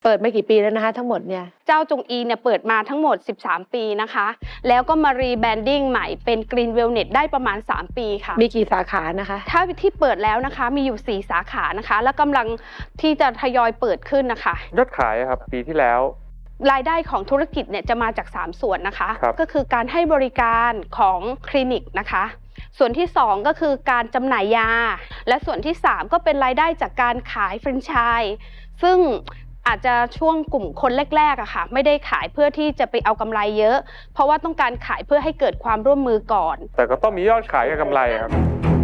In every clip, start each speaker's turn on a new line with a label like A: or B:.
A: เปิดมากี่ปีแล้วนะคะทั้งหมดเนี่ย
B: เจ้าจงอีเนี่ยเปิดมาทั้งหมด13 ปีนะคะแล้วก็มารีแบรนดิ้งใหม่เป็น Green Wellness ได้ประมาณ3 ปีค่ะ
A: มีกี่สาขานะคะ
B: ถ้าที่เปิดแล้วนะคะมีอยู่4 สาขานะคะและกำลังที่จะทยอยเปิดขึ้นนะคะ
C: ยอดขายครับปีที่แล้ว
B: รายได้ของธุรกิจเนี่ยจะมาจาก3 ส่วนนะคะก็คือการให้บริการของคลินิกนะคะส่วนที่2ก็คือการจำหน่ายยาและส่วนที่3ก็เป็นรายได้จากการขายแฟรนไชส์ซึ่งอาจจะช่วงกลุ่มคนแรกๆอะค่ะไม่ได้ขายเพื่อที่จะไปเอากำไรเยอะเพราะว่าต้องการขายเพื่อให้เกิดความร่วมมือก่อน
C: แต่ก็ต้องมียอดขายกับกำไรครับ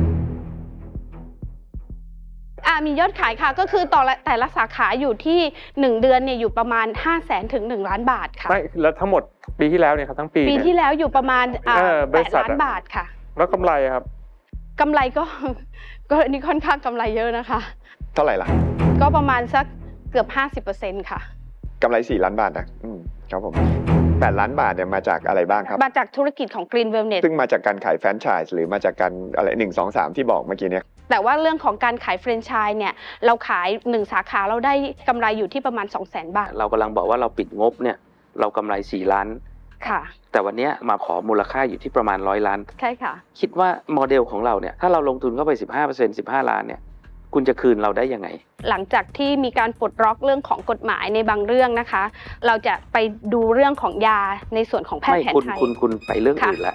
B: มียอดขายค่ะก็คือแต่ละสาขาอยู่ที่1 เดือนเนี่ยอยู่ประมาณ 500,000 ถึง 1 ล้านบาทค่ะ
C: ไม่แล้วทั้งหมดปีที่แล้วเนี่ยครับทั้งปี
B: ที่แล้วอยู่ประมาณ8 ล้านบาทค่ะ
C: แล้วกำไรครับ
B: กำไรก็อันนี้ค่อนข้างกำไรเยอะนะคะ
D: เท่าไหร่ล่ะ
B: ก็ประมาณสักเกือบ 50% ค่ะ
D: กำไร4 ล้านบาทนะครับผม8 ล้านบาทเนี่ยมาจากอะไรบ้างครับ
B: มาจากธุรกิจของ Green Wellness
D: ซึ่งมาจากการขายแฟรนไชส์หรือมาจากการอะไร1 2 3ที่บอกเมื่อกี้เนี่ย
B: แต่ว่าเรื่องของการขายแฟรนไชส์เนี่ยเราขาย1 สาขาเราได้กำไรอยู่ที่ประมาณ 200,000 บาท
E: เรากำลังบอกว่าเราปิดงบเนี่ยเรากำไร4 ล้าน
B: ค่ะ
E: แต่วันนี้มาขอมูลค่าอยู่ที่ประมาณ100 ล้าน
B: ใช่ค่ะ
E: คิดว่าโมเดลของเราเนี่ยถ้าเราลงทุนเข้าไป 15% 15 ล้านเนี่ยคุณจะคืนเราได้ยังไง
B: หลังจากที่มีการปลดล็อกเรื่องของกฎหมายในบางเรื่องนะคะเราจะไปดูเรื่องของยาในส่วนของแพทย์แผนไทย
E: คุณไปเรื่องอื่นละ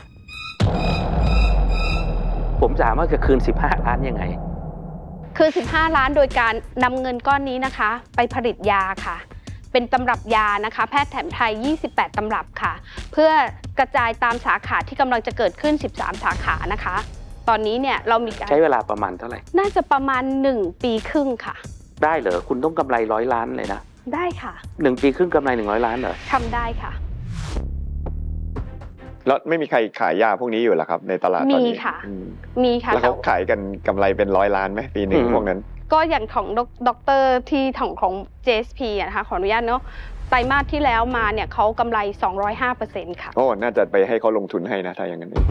E: ผมถามว่าจะคืน15 ล้านยังไง
B: คือ15 ล้านโดยการนำเงินก้อนนี้นะคะไปผลิตยาค่ะเป็นตำรับยานะคะแพทย์แผนไทย28 ตำรับค่ะเพื่อกระจายตามสาขาที่กำลังจะเกิดขึ้น13 สาขานะคะตอนนี้เนี่ยเรามีการ
E: ใช้เวลาประมาณเท่าไหร่
B: น่าจะประมาณ1 ปีครึ่งค่ะ
E: ได้เหรอคุณต้องกำไร100 ล้านเลยนะ
B: ได้ค่ะ
E: 1 ปีครึ่งกำไร100 ล้านเหรอ
B: ทำได้ค่ะ
D: แล้วไม่มีใครขายยาพวกนี้อยู่หรอครับในตลาดตอนนี้
B: มีค่ะมีค่ะ
D: แล้วเขาขายกันกำไรเป็น100 ล้านไหมปีหนึ่งพวกนั้น
B: ก็อย่างของดรที่ของ JSP นะคะขออนุญาตเนาะไตรมาสที่แล้วมาเนี่ยเขากำไร 205% ค่ะ
D: โอ้น่าจะไปให้เขาลงทุนให้นะถ้าอย่างนั้น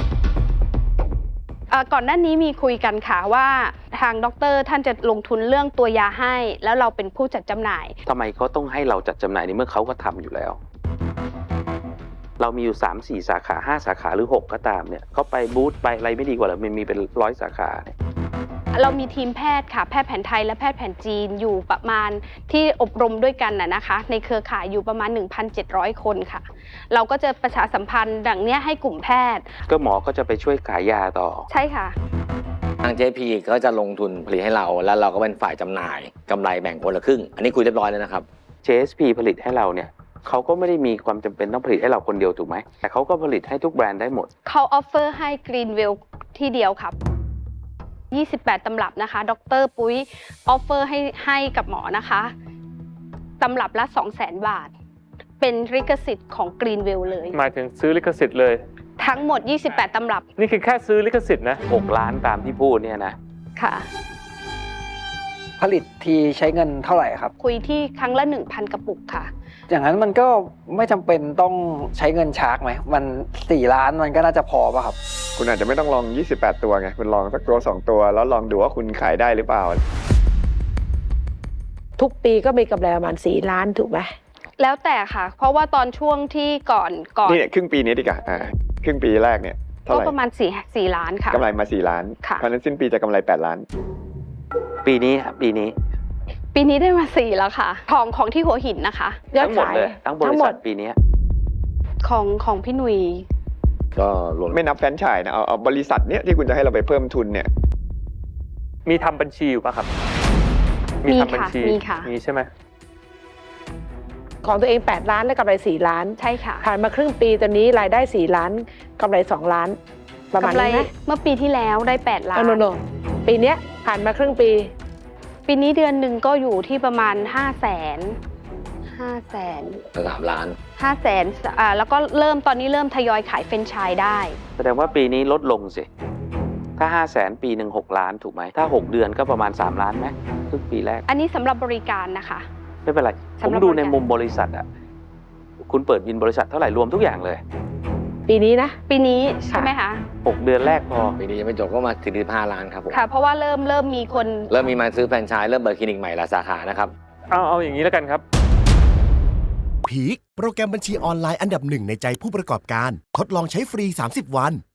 B: ก่อนหน้านี้มีคุยกันค่ะว่าทางดรท่านจะลงทุนเรื่องตัวยาให้แล้วเราเป็นผู้จัดจำหน่าย
E: ทำไมเขาต้องให้เราจัดจำหน่ายในเมื่อเขาก็ทำอยู่แล้วเรามีอยู่ 3-4 สาขา5 สาขาหรือ6ก็ตามเนี่ยเขาไปบูธไปอะไรไม่ดีกว่าหรอมันมีเป็น100 สาขาเนี่ย
B: เรามีทีมแพทย์ค่ะแพทย์แผนไทยและแพทย์แผนจีนอยู่ประมาณที่อบรมด้วยกันนะคะในเครือข่ายอยู่ประมาณ 1,700 คนค่ะเราก็จะประชาสัมพันธ์ดังนี้ให้กลุ่มแพทย์
E: ก็หมอก็จะไปช่วยขายยาต่อ
B: ใช่ค่ะ
F: ทาง JP ก็จะลงทุนผลิตให้เราแล้วเราก็เป็นฝ่ายจำหน่ายกำไรแบ่งคนละครึ่งอันนี้คุยเรียบร้อยแล้วนะครับ
E: JSP ผลิตให้เราเนี่ยเขาก็ไม่ได้มีความจำเป็นต้องผลิตให้เราคนเดียวถูกไหมแต่เขาก็ผลิตให้ทุกแบรนด์ได้หมด
B: เขาออฟเฟอร์ให้ Greenwell ที่เดียวครับ28 ตำรับนะคะดร.ปุ้ยออฟเฟอร์ให้กับหมอนะคะตำรับละ 200,000 บาทเป็นลิขสิทธิ์ของ Greenwell เลย
C: หมายถึงซื้อลิขสิทธิ์เลย
B: ทั้งหมด28 ตำรับ
C: นี่คือแค่ซื้อลิขสิทธิ์นะ
E: 6 ล้านตามที่พูดเนี่ยนะ
B: ค่ะ
G: ผลิตทีใช้เงินเท่าไหร่ครับ
B: คุยที่ครั้งละ 1,000 กระปุกค่ะ
G: อย่างนั้นมันก็ไม่จำเป็นต้องใช้เงินชาร์กไหมมัน4 ล้านมันก็น่าจะพอป่ะครับ
D: คุณอาจจะไม่ต้องลอง28 ตัวไงคุณลองสักตัว2 ตัวแล้วลองดูว่าคุณขายได้หรือเปล่า
A: ทุกปีก็มีกำไรประมาณ4 ล้านถูกไหม
B: แล้วแต่ค่ะเพราะว่าตอนช่วงที่ก่อน
D: นี่ครึ่งปีนี้ดีกว่าครึ่งปีแรกเนี่ยเท่าไหร่
B: ก็ประมาณ4 ล้านค่ะ
D: กำไรมา4 ล้านเพราะนั้นสิ้นปีจะกำไร8 ล้าน
E: ปีนี้ครับปี
B: นี้ได้มา4แล้วค่ะของที่หัวหินนะคะ
E: ทั้งหมดเลยทั้งบริษัทปีนี้
B: ของพี่หนุ่ย
D: ก็ไม่นับแฟรนไชส์นะเอาบริษัทเนี้ยที่คุณจะให้เราไปเพิ่มทุนเนี่ย
C: มีทำบัญชีอยู่ป่ะครับ
B: มีทำบัญชี
C: มีใช่ไหม
A: ของตัวเอง8 ล้านและกำไร4 ล้าน
B: ใช่ค่ะ
A: ผ่านมาครึ่งปีตอนนี้รายได้4 ล้านกำไร2 ล้านประมาณนี้นะ
B: เมื่อปีที่แล้วได้8 ล้าน
A: โนปีนี้ผ่านมาครึ่งปี
B: นี้เดือนหนึ่งก็อยู่ที่ประมาณ500,000
F: 3 ล้าน
B: 500,000แล้วก็ตอนนี้เริ่มทยอยขายแฟรนไชส์ได้
E: แสดงว่าปีนี้ลดลงสิถ้า500,000ปีหนึ่ง6 ล้านถูกไหมถ้า6 เดือนก็ประมาณ3 ล้านไหมครึ่งปีแรก
B: อันนี้สำหรับบริการนะคะ
E: ไม่เป็นไรผมดูในมุมบริษัทอ่ะคุณเปิดบินบริษัทเท่าไหร่รวมทุกอย่างเลย
A: ปีนี้นะ
B: ปีนี้ใช่ไหมคะ
E: 6 เดือนแรกพอ
F: ปีนี้ยังไม่จบก็มาถึง15 ล้านครับผม
B: ค่ะเพราะว่าเริ่มมีคน
F: เริ่มมีมาซื้อแฟรนไชส์เริ่มเปิดคลินิกใหม่หลายสาขานะครับ
C: เอาอย่างนี้แล้วกันครับ
H: พีคโปรแกรมบัญชีออนไลน์อันดับหนึ่งในใจผู้ประกอบการทดลองใช้ฟรี30 วัน